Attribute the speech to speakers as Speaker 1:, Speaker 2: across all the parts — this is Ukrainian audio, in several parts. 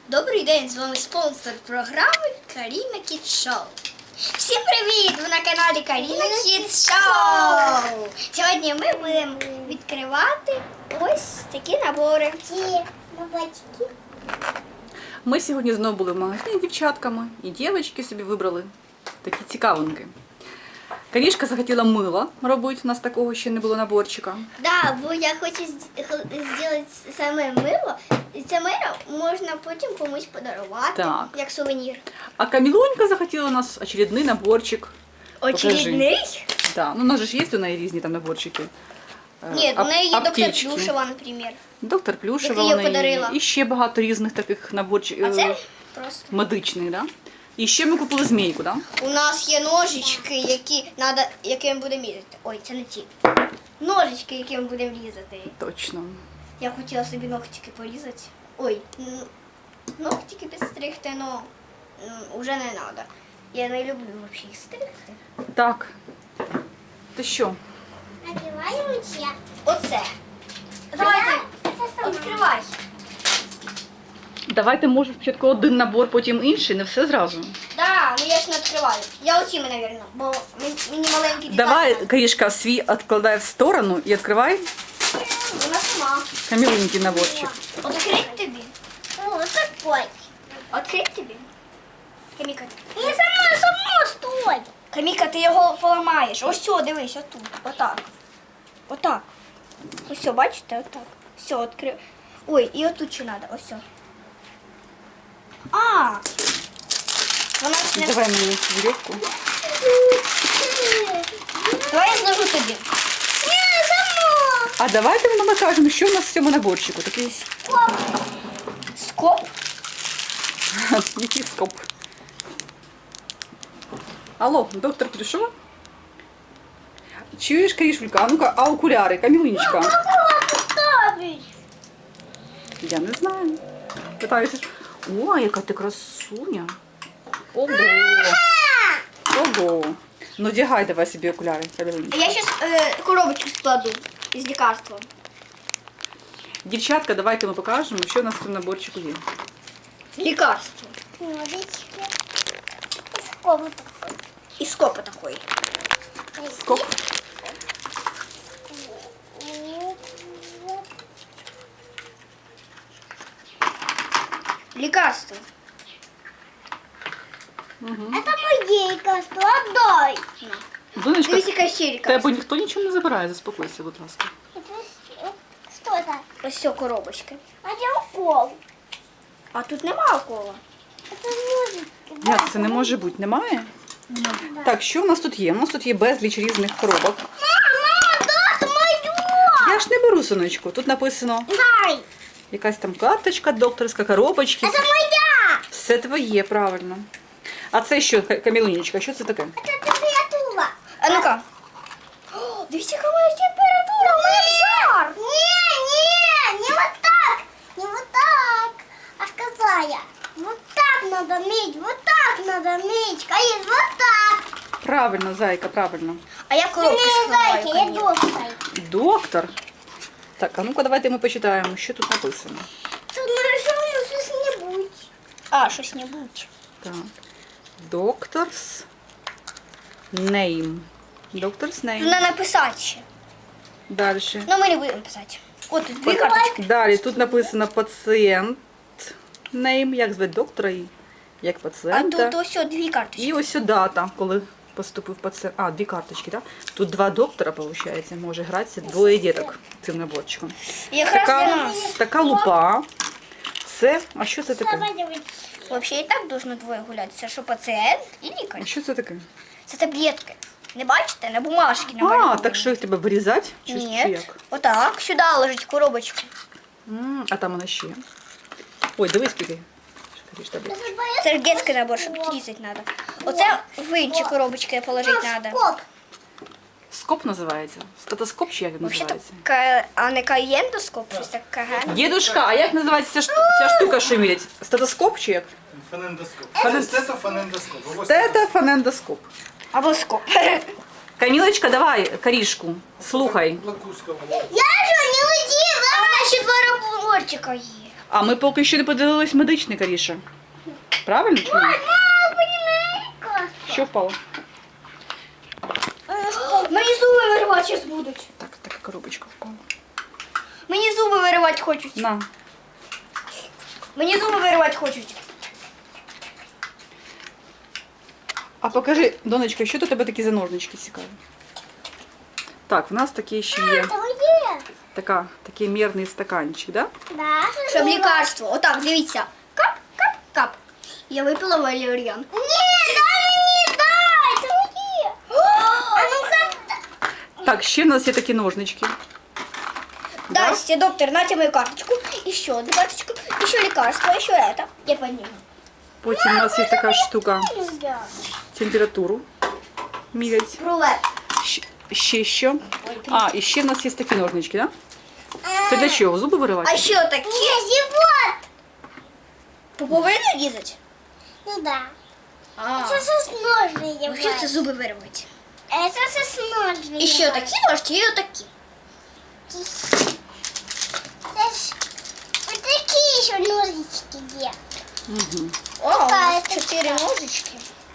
Speaker 1: Добрий день, з вами спонсор програми Каріна Кіт Шоу. Всім привіт! Ви на каналі Каріна Кіт Шоу. Сьогодні ми будемо відкривати ось такі набори.
Speaker 2: Ми сьогодні знову були в магазині з дівчатками, і дівчатки собі вибрали такі цікавинки. Карішка захотіла мило робити, у нас такого ще не було наборчика.
Speaker 1: Да, бо я хочу зробити саме мило. І це мило можна потім комусь подарувати,
Speaker 2: Так.
Speaker 1: як сувенір.
Speaker 2: А Камілунька захотіла у нас очередний наборчик.
Speaker 1: Очередний?
Speaker 2: Да. Ну, у нас же ж є у неї різні там наборчики.
Speaker 1: Ні, у неї є доктор
Speaker 2: Аптечки.
Speaker 1: Плюшева, наприклад.
Speaker 2: Доктор Плюшева
Speaker 1: Яку я
Speaker 2: у неї
Speaker 1: подарила.
Speaker 2: є. І ще багато різних таких наборчиків.
Speaker 1: А це просто.
Speaker 2: Медичних, да? І ще ми купили змійку, да?
Speaker 1: У нас є ножички, яким будемо різати. Ой, це не ті. Ножички, яким будемо різати.
Speaker 2: Точно.
Speaker 1: Я хотіла собі ногтики порізати. Ой, ногтики підстригти, але вже не треба. Я не люблю взагалі їх стригти.
Speaker 2: Так. Ти що?
Speaker 3: Надеваем все.
Speaker 1: Оце. Давайте, відкривай.
Speaker 2: Давайте, може, спочатку один набор, потім інший, не все зразу.
Speaker 1: Да, ну я ж не відкриваю. Я оціми, мабуть, бо мені маленькі дітей.
Speaker 2: Давай, Карішка, свій відкладай в сторону і відкривай
Speaker 1: Вона сама.
Speaker 2: Камілунький наборчик.
Speaker 1: Открить тобі.
Speaker 3: Вот такой.
Speaker 1: Открить тобі. Каміка.
Speaker 3: Не само стой.
Speaker 1: Каміка, ти його поламаєш. Ось сьо, дивись, отут. Отак. Отак. Ось сьо, бачите? Отак. Все, відкрив. Ой, і отут ще треба. Ось сьо. А! Вона ж не...
Speaker 2: Давай мені вірьовку.
Speaker 1: Давай я зложу тобі.
Speaker 3: Не само.
Speaker 2: А давайте ми накажемо, що у нас в цьому наборчику. Такий
Speaker 1: Скоп.
Speaker 2: який скоп. Алло, доктор Плюшева? Чуєш, Карішулька? А ну-ка, а окуляри, Камілунечка?
Speaker 3: Ставить.
Speaker 2: Я не знаю. Питаюся. О, яка ти красуня. Ого. Ого. Ну, одягай давай собі окуляри, Камілунечка.
Speaker 1: Я зараз коробочку складу із лікарством.
Speaker 2: Дівчатка, давайте ми покажемо, що у нас в цьому наборчику є.
Speaker 1: Лікарство.
Speaker 3: Ножички. Сколько такой?
Speaker 1: І скопа такої.
Speaker 2: Скоп.
Speaker 1: Лікарство.
Speaker 3: Это мое лекарство. Отдай.
Speaker 2: Донечка,
Speaker 1: Дивись, яка ще лікарство.
Speaker 2: тебе ніхто нічого не забирає, заспокойся, будь ласка.
Speaker 3: Что это?
Speaker 1: Ось ця коробочка.
Speaker 3: А где укол?
Speaker 1: А тут нема укола.
Speaker 3: Это ножички.
Speaker 2: Як це не може бути? Немає? Так, що в нас тут є? У нас тут є безліч різних коробок.
Speaker 3: Мама, да, это мое.
Speaker 2: Я ж не беру, синочку. Тут написано
Speaker 3: Дай.
Speaker 2: якась там карточка докторська, коробочки.
Speaker 3: Это моя.
Speaker 2: Все твоє, правильно. А це що, Камілунечка, що це таке?
Speaker 3: Это температура.
Speaker 1: А ну-ка. О, дивіться, яка моя температура, у мене жар.
Speaker 3: Не вот так. Не вот так. А сказала я. Вот так надо мыть, вот так надо мыть. Конечно, вот так.
Speaker 2: Правильно, зайка, правильно.
Speaker 1: А я коробку
Speaker 3: Не
Speaker 1: складаю,
Speaker 3: зайка, я
Speaker 1: конечно.
Speaker 3: доктор.
Speaker 2: Доктор. Так, а ну-ка давайте ми почитаємо, що тут написано.
Speaker 3: Тут нарисовано что-нибудь.
Speaker 1: А, щось-небудь.
Speaker 2: Так. Doctor's name. Doctor's name.
Speaker 1: Треба написати ще.
Speaker 2: Далі.
Speaker 1: Ну, ми не будемо писати. От тут дві карточки.
Speaker 2: Далі тут написано пацієнт name, як звати доктора і як
Speaker 1: А
Speaker 2: пацієнта.
Speaker 1: тут ось дві карточки.
Speaker 2: І ось дата, коли поступив пацієнт. А, дві карточки, так? Тут два доктора, виходить, може гратися, двоє діток цим наборчиком.
Speaker 1: І якраз для нас.
Speaker 2: Така лупа. Це, а що це таке?
Speaker 1: Взагалі і так должно двоє гуляти. Це що пацієнт і лікар.
Speaker 2: А що це таке?
Speaker 1: Це таблетки. Не бачите? На бумажці
Speaker 2: А,
Speaker 1: намальовані.
Speaker 2: так що їх треба вирізати? Чи
Speaker 1: Ні.
Speaker 2: як?
Speaker 1: Отак. Сюди ложить в коробочку.
Speaker 2: А там вона ще. Ой, дивись, скільки.
Speaker 1: Це ж детський набор, що тут різати треба. Оце в інші коробочки положити треба.
Speaker 3: Скоп.
Speaker 2: Скоп називається. Стетоскоп чи як він
Speaker 1: Взагалі-то,
Speaker 2: називається?
Speaker 1: а не каєндоскоп, щось таке.
Speaker 2: Дідушка, а як називається ця штука, що мірять? Стетоскоп чи як?
Speaker 4: Фонендоскоп. Стетофонендоскоп.
Speaker 2: Стетофонендоскоп.
Speaker 1: Або скоп.
Speaker 2: Камілочка, давай карішку, слухай.
Speaker 4: Лакуска.
Speaker 3: Я же не удивила.
Speaker 1: А вона ще два наборчика є.
Speaker 2: А ми поки що не подивились медичний, Каріша. Правильно чи ні? Що впало?
Speaker 1: Мені зуби виривати зараз будуть.
Speaker 2: Так, така коробочка впала.
Speaker 1: Мені зуби виривати хочуть.
Speaker 2: На.
Speaker 1: Мені зуби виривати хочуть.
Speaker 2: А покажи, донечка, що тут у тебе такі за ножнички цікаві? Так, в нас такі ще є. Такий мірний стаканчик, да?
Speaker 3: Да.
Speaker 1: Щоб лікарство. Отак, дивіться. Кап, кап, кап. Я випила валеріан.
Speaker 3: Ні, дай, це моє. А ну-ка.
Speaker 2: Так, ще в нас є такі ножнички.
Speaker 1: Здрасте, доктор, нате мою карточку. Еще одну карточку. Еще лекарство, еще это. Я подниму.
Speaker 2: Потім у нас є така штука, температуру мірять.
Speaker 1: Рулет.
Speaker 2: Ще що? А, і ще в нас є такі ножнички, да? Це для чого? Зуби
Speaker 1: А
Speaker 2: виривати?
Speaker 1: еще такие.
Speaker 3: Ні, живот.
Speaker 1: Поповину різать?
Speaker 3: Ну да.
Speaker 1: А.
Speaker 3: Це з ножни є.
Speaker 1: Вообще це зуби вирвати.
Speaker 3: Це з ножни.
Speaker 1: І ще такі ножки, і отакі.
Speaker 3: Це ж отакі ще ножички є.
Speaker 2: Угу.
Speaker 1: О, у нас
Speaker 3: Така,
Speaker 1: 4 ножички.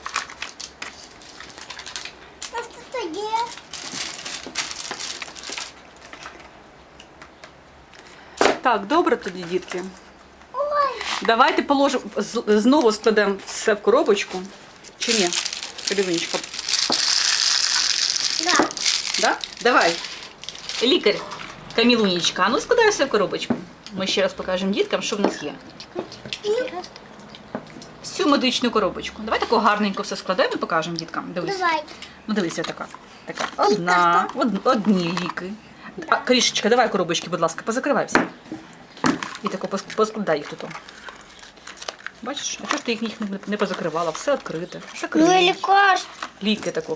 Speaker 3: Ось тут є.
Speaker 2: Так, добре тоді, дітки.
Speaker 3: Ой.
Speaker 2: Давайте положимо, знову складемо все в коробочку. Чи ні? Карівничка.
Speaker 3: Да.
Speaker 2: Да? Давай. Лікар, Камілунічка, а ну складай все в коробочку. Ми ще раз покажемо діткам, що в нас є. Всю медичну коробочку. Давай таку гарненько все складаємо і покажемо діткам. Дивись.
Speaker 3: Давай.
Speaker 2: Ну дивися така. Одна, одні ліки. А, Карішечка, давай коробочки, будь ласка, позакривай всі. І тако поскладай їх тут. Бачиш? А чого ж ти їх не позакривала? Все відкрите.
Speaker 1: Ну і лекарство.
Speaker 2: Ліки таку.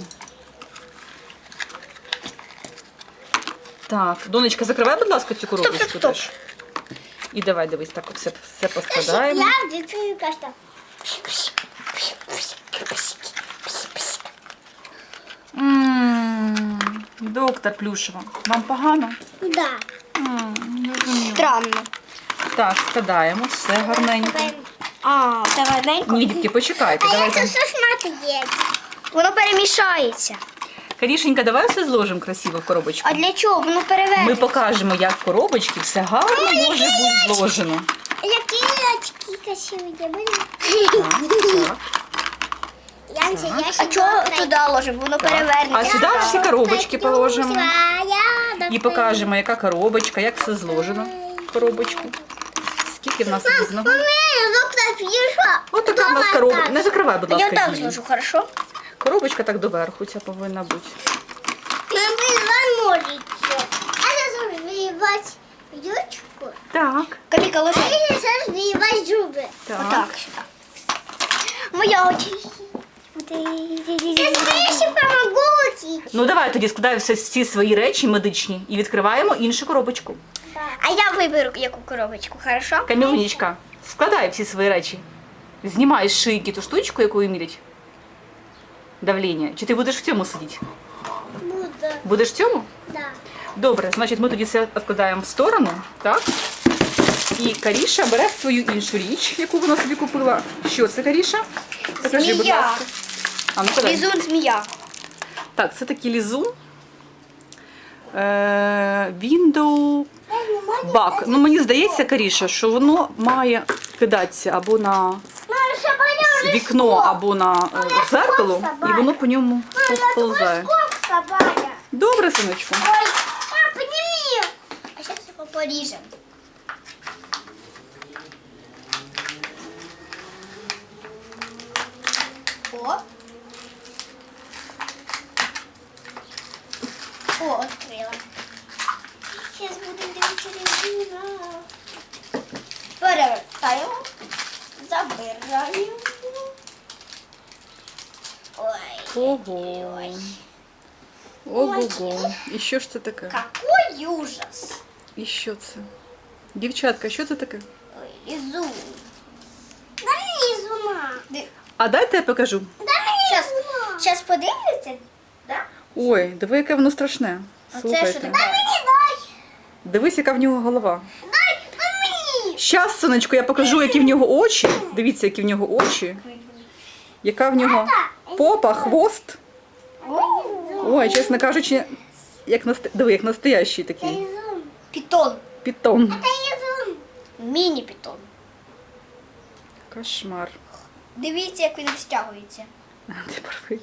Speaker 2: Так, донечка, закривай, будь ласка, цю коробочку
Speaker 1: стоп.
Speaker 2: теж. І давай, дивись, так все поскладаємо.
Speaker 3: Я відкрию каштан.
Speaker 2: Доктор Плюшева, вам погано?
Speaker 3: Да.
Speaker 1: Странно.
Speaker 2: Так, складаємо, все гарненько.
Speaker 1: А, це гарненько.
Speaker 2: Ні, дітки, почекайте,
Speaker 3: А я
Speaker 2: давайте.
Speaker 3: це сосмати є.
Speaker 1: Воно перемішається.
Speaker 2: Карішенька, давай все зложимо красиво в коробочку.
Speaker 1: А для чого? Воно перевернеться.
Speaker 2: Ми покажемо, як в коробочці все гарно може бути зложено.
Speaker 3: Які очки красиві є.
Speaker 2: Так.
Speaker 3: Янці, я
Speaker 1: А чого туди ложимо? Воно
Speaker 2: А
Speaker 1: перевернеться.
Speaker 2: сюди всі коробочки положимо. І
Speaker 3: І
Speaker 2: покажемо, яка коробочка, як все зложено в коробочку. Скільки в нас різного.
Speaker 3: доктор пішла.
Speaker 2: Ось така в нас коробочка. Не закривай, будь
Speaker 1: Я
Speaker 2: ласка,
Speaker 1: так
Speaker 2: її.
Speaker 1: зложу, хорошо?
Speaker 2: Коробочка так доверху ця повинна бути.
Speaker 3: Нам два ножички. А це розвивати ючку.
Speaker 2: Так.
Speaker 1: Каміка, ложи.
Speaker 3: А це розвивати зуби.
Speaker 1: Отак сюди. Моя очі.
Speaker 3: Це скоріше помогуть.
Speaker 2: Ну давай тоді складаємо всі свої речі медичні і відкриваємо іншу коробочку.
Speaker 1: А я виберу яку коробочку, хорошо?
Speaker 2: Камілунічка, складай всі свої речі. Знімай з шийки ту штучку, якою мірять давлення. Чи ти будеш в цьому сидіти?
Speaker 3: Буду.
Speaker 2: Будеш в цьому?
Speaker 3: Да.
Speaker 2: Добре, значить ми тоді все відкладаємо в сторону, так? І Каріша бере свою іншу річ, яку вона собі купила. Що це, Каріша? Покажи, будь
Speaker 1: Змія.
Speaker 2: ласка. А, ну, подай.
Speaker 1: Лізун змія.
Speaker 2: Так, це такий лізун. Window Bug. Ну, мені здається, Каріша, що воно має кидатися або на вікно, або на зеркало, і воно по ньому повзає.
Speaker 3: Собака.
Speaker 2: Добре, синочку.
Speaker 3: Ой, подними.
Speaker 1: А зараз його поріжемо. О. О, відкрила. Зараз будемо дивитися резину. Перевертаємо. Забираємо. Ой.
Speaker 2: Ого. Ого-го. І що ж це таке?
Speaker 1: Какой ужас.
Speaker 2: І що це? Дівчатка, що це таке?
Speaker 1: Ой, лизун.
Speaker 3: Дай мені зума.
Speaker 2: А дайте я покажу.
Speaker 1: Сейчас подивляться, да?
Speaker 2: Ой, диви, яке воно страшне.
Speaker 1: А це що
Speaker 2: Слухайте.
Speaker 1: таке?
Speaker 3: Мені дай.
Speaker 2: Дивись, яка в нього голова.
Speaker 3: Дай мені.
Speaker 2: Щас, сонечко, я покажу, які в нього очі. Дивіться, які в нього очі. Яка в нього попа, хвост. Ой, чесно кажучи, диви, як настоящий такий
Speaker 1: Пітон.
Speaker 2: питон.
Speaker 1: Міні-пітон.
Speaker 2: Кошмар.
Speaker 1: Дивіться, як він розтягується.
Speaker 2: Ти правий.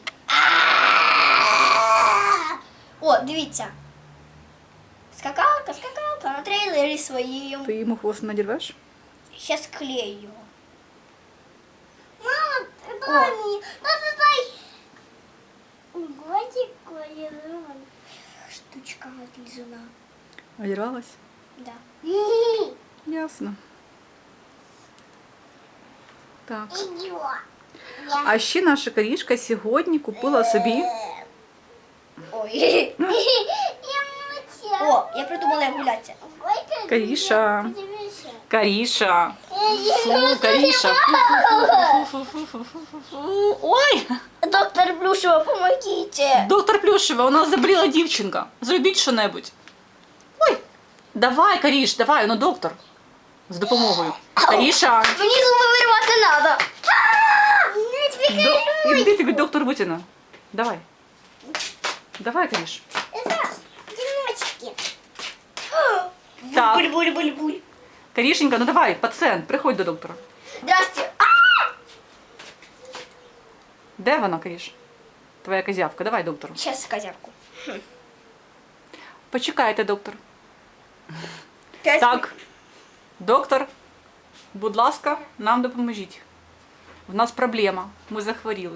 Speaker 1: О, дивіться. Скакалка на трейлері своїм.
Speaker 2: Ти йому хвост надірвеш?
Speaker 1: Щас клею його.
Speaker 3: Мама, дай мне. Дай. Годик, колерон.
Speaker 1: Штучка от лізуна.
Speaker 2: Одірвалась?
Speaker 1: Да.
Speaker 2: Ясно. Так.
Speaker 3: Идет.
Speaker 2: А ще наша Карішка сьогодні купила собі.
Speaker 1: Ой.
Speaker 3: Я мучаю.
Speaker 1: О, я придумала, як гулятися.
Speaker 2: Каріша.
Speaker 3: Подивися.
Speaker 2: Каріша. Фу, Каріша. Фу-фу-фу-фу-фу-фу-фу. Ой!
Speaker 1: Доктор Плюшева, помогите.
Speaker 2: Доктор Плюшева, у нас заболіла дівчинка. Зробіть що-небудь. Ой! Давай, Каріш, давай, ну доктор. З допомогою. Каріша!
Speaker 1: Мені зуби вирвати треба.
Speaker 2: Іди тобі доктор витягне. Давай. Давай, Каріш.
Speaker 3: Это дымочки.
Speaker 2: Так.
Speaker 1: Буль-буль-буль-буль.
Speaker 2: Карішенька, ну давай, пацієнт, приходь до доктора.
Speaker 1: Здрасте.
Speaker 2: Де вона, Каріш? Твоя козявка, давай, доктор.
Speaker 1: Сейчас козявку.
Speaker 2: Почекайте, доктор.
Speaker 1: 5
Speaker 2: Так, доктор, будь ласка, нам допоможіть. В нас проблема, ми захворіли.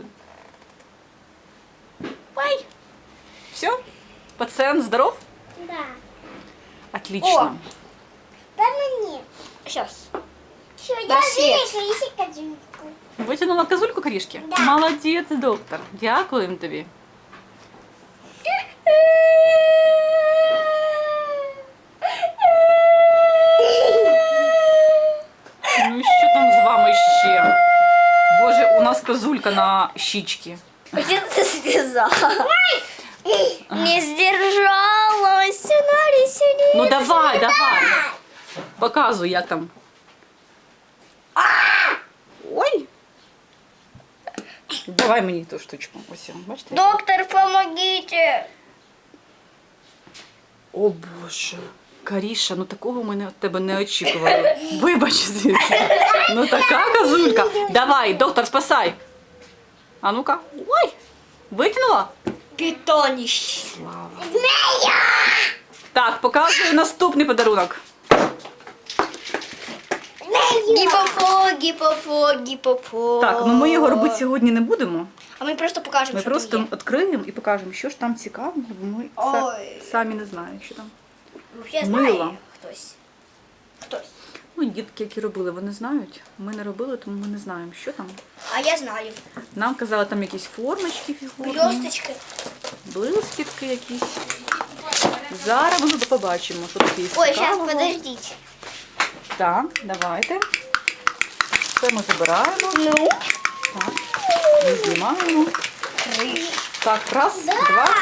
Speaker 2: Ой! Все? Пацієнт здоров?
Speaker 3: Да.
Speaker 2: Отлично.
Speaker 3: Дай мне.
Speaker 1: Сейчас.
Speaker 3: Все, я
Speaker 1: Да, Свет.
Speaker 3: вижу, если козюльку.
Speaker 2: Витягнула козульку, Карішки?
Speaker 3: Да.
Speaker 2: Молодець, доктор. Дякуємо тобі. Ну що там з вами ще? Боже, у нас козулька на щічці.
Speaker 1: Где ты связала? Не сдержалась. Сюда.
Speaker 2: Ну давай, давай. Показуй, як там. Ой. Давай мені ту штучку. Ось, бачите?
Speaker 1: Доктор, помогите.
Speaker 2: О Боже. Каріша, ну такого ми від тебе не очікували. Вибач, звідси. Ну така козулька. Давай, доктор, спасай. А ну-ка. Ой. Витягнула?
Speaker 1: Питонище.
Speaker 2: Слава. Так, показую наступний подарунок.
Speaker 1: Гіпопо.
Speaker 2: Так, ну ми його робити сьогодні не будемо.
Speaker 1: А ми просто покажемо,
Speaker 2: Ми
Speaker 1: що
Speaker 2: просто
Speaker 1: там є.
Speaker 2: відкриємо і покажемо, що ж там цікавого, бо ми
Speaker 1: Ой.
Speaker 2: самі не знаємо, що там.
Speaker 1: Я
Speaker 2: Мило.
Speaker 1: знаю хтось. Хтось.
Speaker 2: Ну, дітки, які робили, вони знають. Ми не робили, тому ми не знаємо, що там.
Speaker 1: А я знаю.
Speaker 2: Нам казали, там якісь формочки фігурні,
Speaker 1: Блісточки.
Speaker 2: блискітки якісь. Зараз ми побачимо, що таке є
Speaker 1: Ой, сейчас,
Speaker 2: цікавого.
Speaker 1: подождите.
Speaker 2: Так, давайте. Це ми забираємо.
Speaker 1: Ну,
Speaker 2: Так, ми знімаємо. Так, раз, два,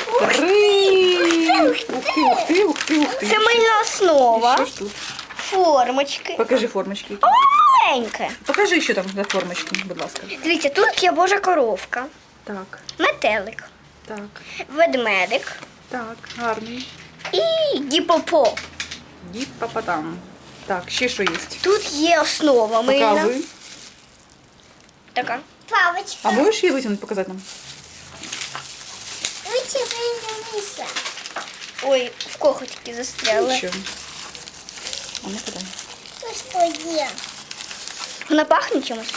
Speaker 2: три. Ух ти, ух ти, ух ти, ух ти.
Speaker 1: це мильна
Speaker 2: І
Speaker 1: основа.
Speaker 2: що ж тут?
Speaker 1: Формочки.
Speaker 2: Покажи формочки.
Speaker 1: Маленька.
Speaker 2: Покажи, що там за формочки, будь ласка.
Speaker 1: Дивіться, тут є Божа коровка,
Speaker 2: Так,
Speaker 1: метелик,
Speaker 2: так,
Speaker 1: ведмедик
Speaker 2: так, гарний.
Speaker 1: і гіпопо.
Speaker 2: Діп-папа-там. Так, ще що є?
Speaker 1: Тут є основа мильна.
Speaker 2: Показуй.
Speaker 1: Така.
Speaker 3: Папочка,
Speaker 2: А можеш її витягнути, показати нам?
Speaker 3: вытягнись.
Speaker 1: Ой, в коготики застряли.
Speaker 2: Нічого. А ну подай.
Speaker 3: Господи.
Speaker 1: Вона пахне чимось.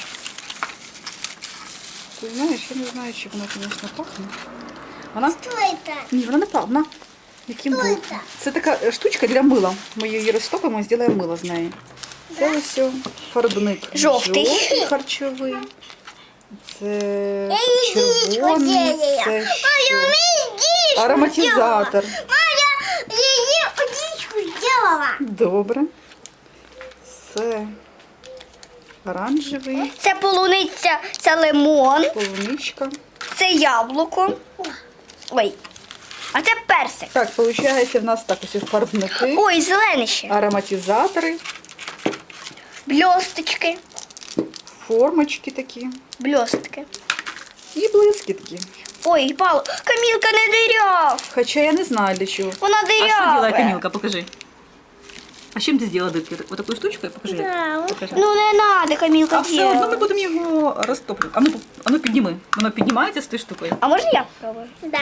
Speaker 2: Ти знаєш, я не знаю, чи вона, звісно, пахне. Вона?
Speaker 3: Что это?
Speaker 2: Ні, вона не пахне. Яким
Speaker 3: Що
Speaker 2: був?
Speaker 3: це?
Speaker 2: Це така штучка для мила. Ми її розтопимо і зробимо мило з неї. Це ось фарбник.
Speaker 1: Жовтий.
Speaker 2: Харчовий. Це
Speaker 3: Яичко
Speaker 2: червоний.
Speaker 3: делала.
Speaker 2: Це
Speaker 3: Мама,
Speaker 2: що?
Speaker 3: яичко
Speaker 2: Ароматизатор.
Speaker 3: Мама, я яичко сделала.
Speaker 2: Добре. Це оранжевий,
Speaker 1: Це полуниця, це лимон,
Speaker 2: полуничка.
Speaker 1: це яблуко. Ой. А це персик.
Speaker 2: Так, виходить, в нас так ось фарбники,
Speaker 1: Ой, зелене ще.
Speaker 2: ароматизатори.
Speaker 1: блісточки.
Speaker 2: Формочки такі.
Speaker 1: Блістки.
Speaker 2: І блискітки.
Speaker 1: Ой, Павло, Камілка не диряв.
Speaker 2: Хоча я не знаю для чого.
Speaker 1: Вона
Speaker 2: А что
Speaker 1: дырявая.
Speaker 2: делает Камилка? Покажи. А с чем ты сделала дырки? Вот такую штучку? Покажи. Покажи.
Speaker 1: Ну не надо, Камілка
Speaker 2: А все одно ми
Speaker 1: делать.
Speaker 2: будемо його розтоплювати. А ну підніми. Воно піднімається з тією штукою.
Speaker 1: А можна я попробую?
Speaker 3: Да.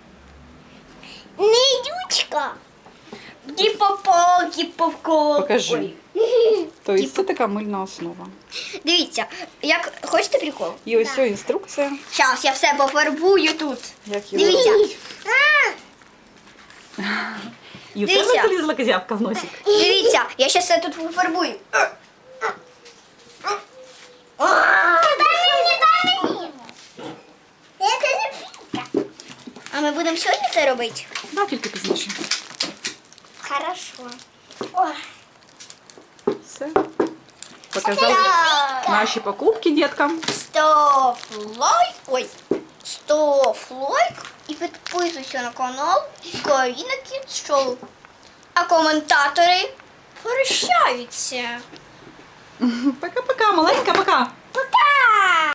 Speaker 3: Нидючка.
Speaker 1: Гіпопол, гіпопол.
Speaker 2: Покажи.
Speaker 1: Ой.
Speaker 2: Тобто це така мильна основа.
Speaker 1: Дивіться, як хочете прикол?
Speaker 2: І ось ця інструкція,
Speaker 1: Зараз я все пофарбую тут.
Speaker 2: як його
Speaker 1: Дивіться.
Speaker 2: робити. І у тебе
Speaker 1: Дивіться.
Speaker 2: залізла козявка в носик.
Speaker 1: Дивіться, я зараз все тут пофарбую.
Speaker 3: Дай мені. Это же фіка.
Speaker 1: А ми будемо сьогодні це робити?
Speaker 2: Да, тільки пізніше.
Speaker 1: Хорошо.
Speaker 2: Все. Показали наші покупки діткам.
Speaker 1: Став лайк. Ой. Став лайк і підписуйся на канал Каріна Kids Show. А коментатори прощаються.
Speaker 2: Пока-пока, маленька, пока.